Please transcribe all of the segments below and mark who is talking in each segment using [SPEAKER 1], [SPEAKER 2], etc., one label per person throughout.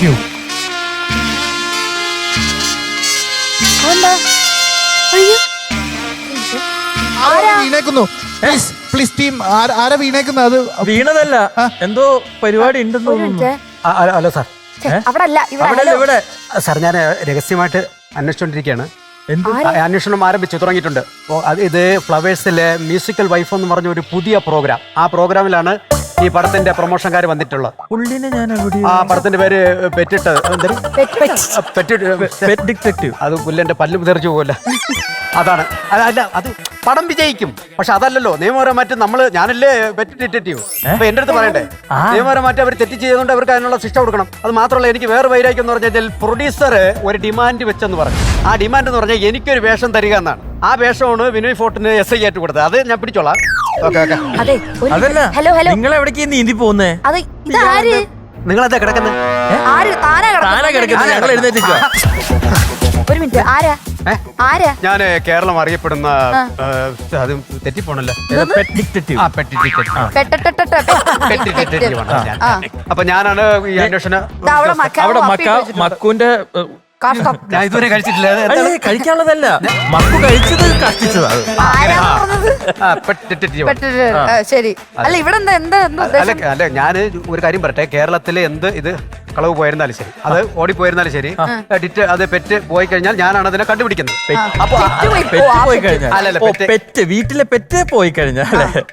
[SPEAKER 1] Detective. വീണേക്കുന്നു. Please team, ആരാ വീണേക്കുന്നത്? അത്
[SPEAKER 2] വീണതല്ല, എന്തോ പരിപാടി ഉണ്ടെന്ന് തോന്നുന്നു.
[SPEAKER 3] Hello sir.
[SPEAKER 2] ഇവിടെ
[SPEAKER 3] സാർ, ഞാൻ രഹസ്യമായിട്ട് അന്വേഷിച്ചുകൊണ്ടിരിക്കുകയാണ്. അന്വേഷണം ആരംഭിച്ചു തുടങ്ങിയിട്ടുണ്ട്. ഇത് ഫ്ലവേഴ്സിലെ മ്യൂസിക്കൽ വൈഫ് എന്ന് പറഞ്ഞ ഒരു പുതിയ പ്രോഗ്രാം. ആ പ്രോഗ്രാമിലാണ് ഈ പടത്തിന്റെ പ്രൊമോഷൻകാർ വന്നിട്ടുള്ളത്.
[SPEAKER 2] പുള്ളിനെ ഞാൻ
[SPEAKER 3] ആ പടത്തിന്റെ പേര് പെറ്റിട്ട്
[SPEAKER 2] ഡിറ്റക്റ്റീവ്.
[SPEAKER 3] അത് പുല്ലന്റെ പല്ലും തെറിച്ചു പോകല്ല. അതാണ്. അല്ല, അത് പടം വിജയിക്കും. പക്ഷെ അതല്ലല്ലോ നിയമപരമായിട്ട് ഞാനല്ലേ പെറ്റ് ഡിറ്റക്റ്റീവ്. അപ്പൊ എന്റെ അടുത്ത് പറയണ്ടേ, നിയമപരമായിട്ട് അവർ തെറ്റ് ചെയ്തുകൊണ്ട് അവർക്ക് അതിനുള്ള ശിക്ഷ കൊടുക്കണം. അത് മാത്രമല്ല, എനിക്ക് വേറെ വൈരാഗ്യം എന്ന് പറഞ്ഞാൽ പ്രൊഡ്യൂസർ ഒരു ഡിമാൻഡ് വെച്ചെന്ന് പറഞ്ഞു. ആ ഡിമാൻഡ് എന്ന് പറഞ്ഞാൽ എനിക്കൊരു വേഷം തരിക എന്നാണ്. ആ വേഷമാണ് വിനോയ് ഫോർട്ടിന് SI ആയിട്ട് കൊടുത്തത്. അത് ഞാൻ പിടിച്ചോളാം.
[SPEAKER 2] നിങ്ങൾ എവിടേക്ക് നീന്തി പോകുന്നേ?
[SPEAKER 3] നിങ്ങളെന്താ കിടക്കുന്നത്?
[SPEAKER 2] ഞങ്ങൾ എഴുന്നേറ്റില്ല.
[SPEAKER 4] ഒരു മിനിറ്റ്, ആരാ?
[SPEAKER 3] ഞാൻ കേരളം അറിയപ്പെടുന്ന അത് തെറ്റിപ്പോണല്ലോ. അപ്പൊ ഞാനാണ് ഈ അന്വേഷണ.
[SPEAKER 2] മക്കുവിന്റെ
[SPEAKER 3] ഞാൻ ഇതുവരെ കഴിച്ചിട്ടില്ല.
[SPEAKER 2] കഴിക്കാനുള്ളതല്ല, മക്കു കഴിച്ചത് കഷ്ടിച്ചതാണ്.
[SPEAKER 4] ശരി. അല്ല, ഇവിടെ
[SPEAKER 3] അല്ല, ഞാൻ ഒരു കാര്യം പറയട്ടെ. കേരളത്തിലെ എന്ത് ഇത് കളവ് പോയിരുന്നാലും ശരി, അത് ഓടിപ്പോയിരുന്നാലും ശരി, അത് പെറ്റ് പോയി കഴിഞ്ഞാൽ ഞാനാണ് അതിനെ കണ്ടുപിടിക്കുന്നത്.
[SPEAKER 2] വീട്ടിലെ പെറ്റ് പോയി കഴിഞ്ഞാൽ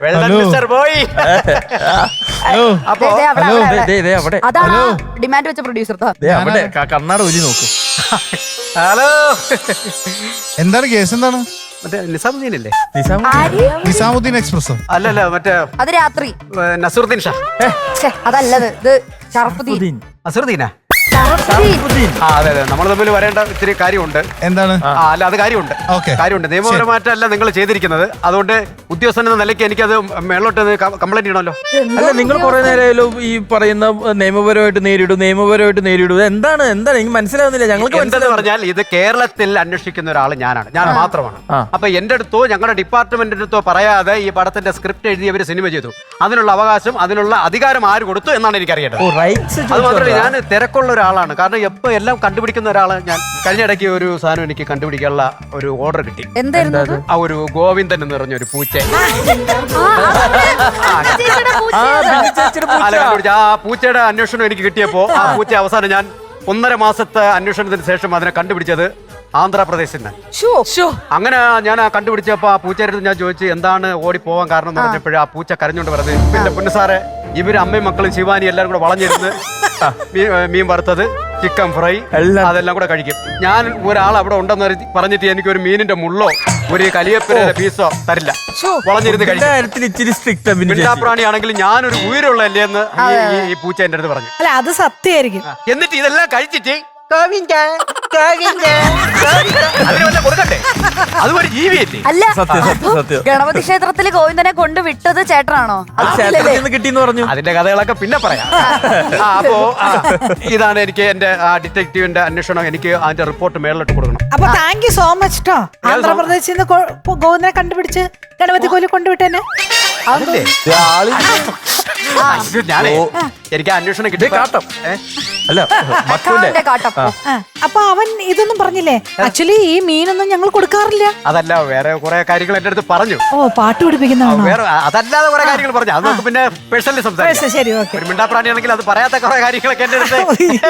[SPEAKER 4] ഡിമാൻഡ് വെച്ച പ്രൊഡ്യൂസർ
[SPEAKER 2] അവിടെ കണ്ണാട ഒലി നോക്കും.
[SPEAKER 3] ഹലോ,
[SPEAKER 1] എന്താണ് കേസ്? എന്താണ്?
[SPEAKER 3] മറ്റേ നിസാമുദ്ദീനല്ലേ?
[SPEAKER 1] നിസാമുദ്ദീൻ എക്സ്പ്രസ്?
[SPEAKER 3] അല്ലല്ല, മറ്റേ
[SPEAKER 4] അത് രാത്രി
[SPEAKER 3] നസറുദ്ദീൻ ഷാ.
[SPEAKER 4] അതല്ലത്, ഇത് ഷറഫുദ്ദീൻ.
[SPEAKER 3] നസറുദ്ദീനാ?
[SPEAKER 1] അതെ,
[SPEAKER 3] നമ്മൾ തമ്മിൽ വരേണ്ട ഇത്തിരി കാര്യമുണ്ട്.
[SPEAKER 1] എന്താണ്?
[SPEAKER 3] അല്ല, അത് കാര്യമുണ്ട്. നിയമപരമായിട്ടല്ല നിങ്ങൾ ചെയ്തിരിക്കുന്നത്. അതുകൊണ്ട് ഉദ്യോഗസ്ഥൻ എന്ന നിലയ്ക്ക് എനിക്കത് മേളോട്ട് കംപ്ലൈന്റ് ചെയ്യണമല്ലോ.
[SPEAKER 2] അല്ല, നിങ്ങൾ കുറെ നേരം ഈ പറയുന്ന നിയമപരമായിട്ട് നേരിടും. എന്താണ് എനിക്ക് മനസ്സിലാവുന്നില്ല. ഞങ്ങൾക്ക്
[SPEAKER 3] എന്താന്ന് പറഞ്ഞാൽ, ഇത് കേരളത്തിൽ അന്വേഷിക്കുന്ന ഒരാൾ ഞാൻ മാത്രമാണ്. അപ്പൊ എന്റെ അടുത്തോ ഞങ്ങളുടെ ഡിപ്പാർട്ട്മെന്റിന്റെ അടുത്തോ പറയാതെ ഈ പടത്തിന്റെ സ്ക്രിപ്റ്റ് എഴുതിയവര് സിനിമ ചെയ്തു. അതിനുള്ള അവകാശം, അതിനുള്ള അധികാരം ആര് കൊടുത്തു എന്നാണ് എനിക്കറിയേണ്ടത്. അത് മാത്രമല്ല, ഞാൻ തിരക്കുള്ള ഒരാളാണ്. കാരണം എപ്പോ എല്ലാം കണ്ടുപിടിക്കുന്ന ഒരാളാണ് ഞാൻ. കഴിഞ്ഞ ഇടയ്ക്ക് ഒരു സാധനം എനിക്ക് കണ്ടുപിടിക്കാനുള്ള ഒരു ഓർഡർ കിട്ടി.
[SPEAKER 4] എന്തായിരുന്നു?
[SPEAKER 3] ആ ഒരു ഗോവിന്ദൻ എന്ന് പറഞ്ഞ ഒരു പൂച്ച. ആ പൂച്ചയുടെ അന്വേഷണം എനിക്ക് കിട്ടിയപ്പോ ആ പൂച്ച അവസാനം ഞാൻ 1.5 മാസത്തെ അന്വേഷണത്തിന് ശേഷം അതിനെ കണ്ടുപിടിച്ചത് ആന്ധ്രാപ്രദേശിൽ നിന്ന്. അങ്ങനെ ഞാൻ കണ്ടുപിടിച്ചപ്പോ ആ പൂച്ചയുടെ ഞാൻ ചോദിച്ചു എന്താണ് ഓടിപ്പോവാൻ കാരണം എന്ന് പറഞ്ഞപ്പോഴേ ആ പൂച്ച കരഞ്ഞോണ്ട് പറഞ്ഞത്, പിന്നെ പൊന്നു സാറേ, ഇവര് അമ്മയും മക്കളും ശിവാനി എല്ലാവരും കൂടെ വളഞ്ഞിരുന്ന് മീൻ വറുത്തത്, ചിക്കൻ ഫ്രൈ അതെല്ലാം കൂടെ കഴിക്കും. ഞാൻ ഒരാൾ അവിടെ ഉണ്ടെന്ന് പറഞ്ഞിട്ട് എനിക്ക് ഒരു മീനിന്റെ മുള്ളോ ഒരു കലിയപ്പിന്റെ പീസോ തരില്ല. വളഞ്ഞിരുന്ന് കഴിക്കും. മിണ്ടാപ്രാണിയാണെങ്കിലും ഞാനൊരു ഉയരമുള്ളല്ലേ എന്ന് ഈ പൂച്ച എന്റെ അടുത്ത് പറഞ്ഞു.
[SPEAKER 5] അല്ല, അത് സത്യമായിരിക്കും.
[SPEAKER 3] എന്നിട്ട് ഇതെല്ലാം കഴിച്ചിട്ട് കൊടുക്കട്ടെ, അതുപോലെ ജീവിയല്ലേ?
[SPEAKER 4] അല്ല, ഗണപതി ക്ഷേത്രത്തില് ഗോവിന്ദനെ കൊണ്ട് വിട്ടത് ചേട്ടനാണോ?
[SPEAKER 2] കിട്ടിയെന്ന് പറഞ്ഞു.
[SPEAKER 3] അതിന്റെ കഥകളൊക്കെ പിന്നെ പറയാം. അപ്പോ ഇതാണ് എനിക്ക് എന്റെ ഡിറ്റക്റ്റീവിന്റെ അന്വേഷണം. എനിക്ക് അതിന്റെ റിപ്പോർട്ട് മേളിലോട്ട് കൊടുക്കണം.
[SPEAKER 5] അപ്പൊ താങ്ക് യു സോ മച്ച് ട്ടോ. ആന്ധ്രാപ്രദേശിൽ നിന്ന് ഗോവിന്ദനെ കണ്ടുപിടിച്ച് ഗണപതി കോലി കൊണ്ടുവിട്ടേനെ.
[SPEAKER 3] എനിക്ക് അന്വേഷണം കിട്ടി.
[SPEAKER 2] അല്ല,
[SPEAKER 5] അപ്പൊ അവൻ ഇതൊന്നും പറഞ്ഞില്ലേ? ആക്ച്വലി ഈ മീനൊന്നും ഞങ്ങൾ കൊടുക്കാറില്ല.
[SPEAKER 3] അതല്ല, വേറെ കുറെ കാര്യങ്ങൾ എന്റെ അടുത്ത് പറഞ്ഞു.
[SPEAKER 5] ഓ, പാട്ട് പിടിപ്പിക്കുന്നതാണോ?
[SPEAKER 3] വേറെ അതല്ലാതെ കുറെ കാര്യങ്ങൾ പറഞ്ഞു. അത് നമുക്ക് പിന്നെ പേഴ്സണലി സംസാരിക്കാം.
[SPEAKER 5] ശരി, ഓക്കെ.
[SPEAKER 3] ഒരു മിണ്ടാപ്രാണിയാണെങ്കിൽ അത് പറയാത്ത കുറെ കാര്യങ്ങളൊക്കെ എന്റെ അടുത്ത്.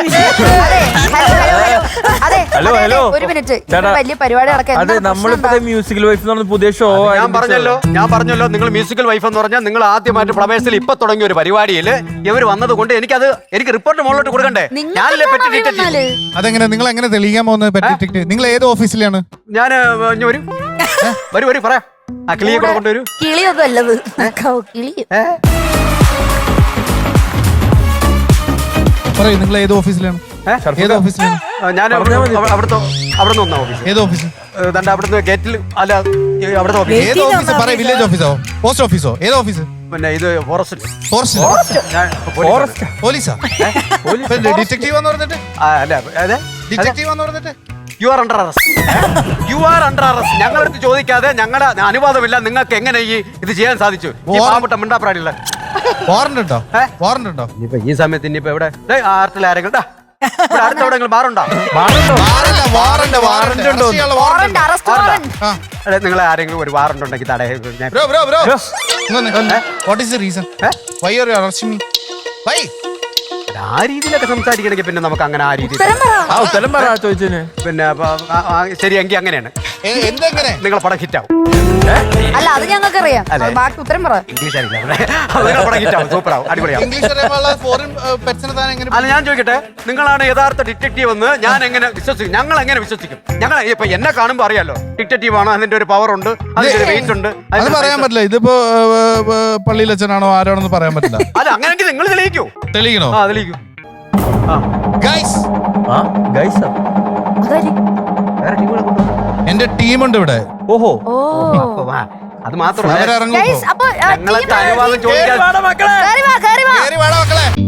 [SPEAKER 2] ഹലോ,
[SPEAKER 4] ഒരു മിനിറ്റ്, വലിയ പരിപാടി
[SPEAKER 2] അതെ, നമ്മളിപ്പോ മ്യൂസിക്കൽ വൈഫ് എന്ന് പറഞ്ഞ പുതിയ ഷോ.
[SPEAKER 3] ഞാൻ പറഞ്ഞല്ലോ നിങ്ങൾ മ്യൂസിക്കൽ വൈഫ് എന്ന് പറഞ്ഞാൽ നിങ്ങൾ ആദ്യമായിട്ട് ഫ്ലവേഴ്സിൽ ഇപ്പൊ തുടങ്ങിയ ഒരു പരിപാടിയിൽ ഇവർ വന്നത് കൊണ്ട് എനിക്ക് റിപ്പോർട്ട് മുകളിലോട്ട് കൊടുക്കണ്ടേ? ഞാനല്ലേ പെറ്റ് ഡിറ്റക്റ്റീവ്.
[SPEAKER 1] അതെങ്ങനെ? നിങ്ങൾ എങ്ങനെ തെളിയിക്കാൻ പോകുന്നത് പെറ്റ് ഡിറ്റക്റ്റീവ്? നിങ്ങൾ ഏത് ഓഫീസിലാണ്?
[SPEAKER 3] ഞാൻ വരൂ പറയാം. ആ കിളിയെ കൂടെ കൊണ്ടുവരൂ.
[SPEAKER 4] കിളിയൊന്നും അല്ലത്, കിളി.
[SPEAKER 1] പറയൂ, നിങ്ങൾ ഏത് ഓഫീസിലാണ്? ഏത് ഓഫീസിലാണ്?
[SPEAKER 3] ഞാൻ അവിടെ നിന്ന് ഓഫീസ്.
[SPEAKER 1] ഏത് ഓഫീസ്?
[SPEAKER 3] അവിടുന്ന് ഗേറ്റിൽ. അല്ല, അവിടുത്തെ ഓഫീസ്.
[SPEAKER 1] ഏത് ഓഫീസ്? പറയൂ. വില്ലേജ് ഓഫീസോ, പോസ്റ്റ് ഓഫീസോ, ഏത് ഓഫീസ്?
[SPEAKER 3] പിന്നെ ഇത് ഫോറസ്റ്റ്.
[SPEAKER 1] പോലീസാ? ഡിറ്റക്റ്റീവ് എന്ന് പറഞ്ഞിട്ട്?
[SPEAKER 3] അല്ല,
[SPEAKER 1] ഡിറ്റക്റ്റീവ് എന്ന് പറഞ്ഞിട്ട്
[SPEAKER 3] യു ആർ അണ്ടർ അറസ്റ്റ്. ഞങ്ങളടുത്ത് ചോദിക്കാതെ, ഞങ്ങളുടെ അനുവാദമില്ല, നിങ്ങൾക്ക് എങ്ങനെ ഇത് ചെയ്യാൻ സാധിച്ചു? പാവപ്പെട്ട മിണ്ടാപ്രാണിയുള്ള
[SPEAKER 1] വാറണ്ട് ഉണ്ടോ? വാറണ്ട് ഉണ്ടോ?
[SPEAKER 3] ഇനിയിപ്പോ ഈ സമയത്ത് ഇനിയിപ്പോ എവിടെ ആർട്ടിൽ ആരെങ്കിലും ഇവിടെ അടുത്തെവിടെങ്കിലും ബാറുണ്ടോ?
[SPEAKER 2] വാറണ്ടോ?
[SPEAKER 1] വാറല്ല, വാറണ്ട്, വാറണ്ട്.
[SPEAKER 2] വാറണ്ട് ഉണ്ടോ?
[SPEAKER 1] അറസ്റ്റിയുള്ള
[SPEAKER 4] വാറണ്ട്
[SPEAKER 1] വാറണ്ട്.
[SPEAKER 4] അറസ്റ്റ് വാറണ്ട്
[SPEAKER 1] ആ.
[SPEAKER 3] അതെ, നിങ്ങളെ ആരെങ്കിലും ഒരു വാറണ്ട് ഉണ്ടെങ്കിൽ ഞാൻ
[SPEAKER 1] Bro, bro, bro. What is the reason? Why are you arresting me? Why?
[SPEAKER 3] ആ രീതിയിലൊക്കെ സംസാരിക്കണമെങ്കിൽ പിന്നെ നമുക്ക് അങ്ങനെ ആ രീതിയിൽ
[SPEAKER 4] ഉത്തരം പറ
[SPEAKER 2] ആ ഉത്തരം പറ ചോദിച്ചതിന്.
[SPEAKER 3] പിന്നെ ശരി, എങ്കിൽ അങ്ങനെയാണ്.
[SPEAKER 1] എന്തെങ്ങനെ?
[SPEAKER 3] നിങ്ങളെ പടം ഹിറ്റാവും.
[SPEAKER 4] അല്ല അത് ഞങ്ങൾക്ക് അറിയാം
[SPEAKER 3] അതെ.
[SPEAKER 4] ബാക്കി ഉത്തരം പറ
[SPEAKER 3] ഇംഗ്ലീഷ് അറിയില്ല. നിങ്ങളെ പടം ഹിറ്റാവും, സൂപ്പറാവും, അടിപൊളിയാവും.
[SPEAKER 1] ഇംഗ്ലീഷ് അറിയാനുള്ള ഫോറിൻ പെറ്റ്സിനെ താൻ എങ്ങനെ
[SPEAKER 3] അല്ല, ഞാൻ ചോദിക്കട്ടെ, നിങ്ങളാണ് യഥാർത്ഥ ഡിറ്റക്റ്റീവ് എന്ന് ഞാൻ എങ്ങനെ വിശ്വസിക്കും? ഞങ്ങൾ എങ്ങനെ വിശ്വസിക്കും? ഞങ്ങൾ ഇപ്പൊ എന്നെ കാണുമ്പോൾ അറിയാലോ ഡിറ്റക്റ്റീവ് ആണ്, അതിന്റെ ഒരു പവർ ഉണ്ട്, അതിന്റെ ഒരു വെയിറ്റ് ഉണ്ട്.
[SPEAKER 1] അത് പറയാൻ പറ്റില്ല. ഇതിപ്പോ പള്ളിയിലച്ഛനാണോ ആരാണെന്ന് പറയാൻ പറ്റില്ല.
[SPEAKER 3] അല്ല, അങ്ങനെയെങ്കിൽ നിങ്ങൾ തെളിയിക്കൂ.
[SPEAKER 1] തെളിയിക്കണോ?
[SPEAKER 3] ആ, തെളിയിക്കൂ.
[SPEAKER 1] ഗൈസ്,
[SPEAKER 2] ആ ഗൈസ്
[SPEAKER 4] അതാരി
[SPEAKER 3] വേറെ ടീമുകളെ കൊണ്ടുവന്നു.
[SPEAKER 1] എന്റെ ടീമുണ്ട് ഇവിടെ.
[SPEAKER 2] ഓഹോ
[SPEAKER 4] ഓ
[SPEAKER 3] അപ്പൊ വാ. അത് മാത്രമല്ല,
[SPEAKER 1] അവരിറങ്ങും
[SPEAKER 4] ഗൈസ്
[SPEAKER 1] ഇപ്പോ.
[SPEAKER 4] അപ്പൊ
[SPEAKER 3] ഞങ്ങൾക്ക് അനുവാദം ചോദിക്കാൻ
[SPEAKER 2] മക്കളെ
[SPEAKER 4] കേറി വാ
[SPEAKER 1] കേറി വാടാ മക്കളെ.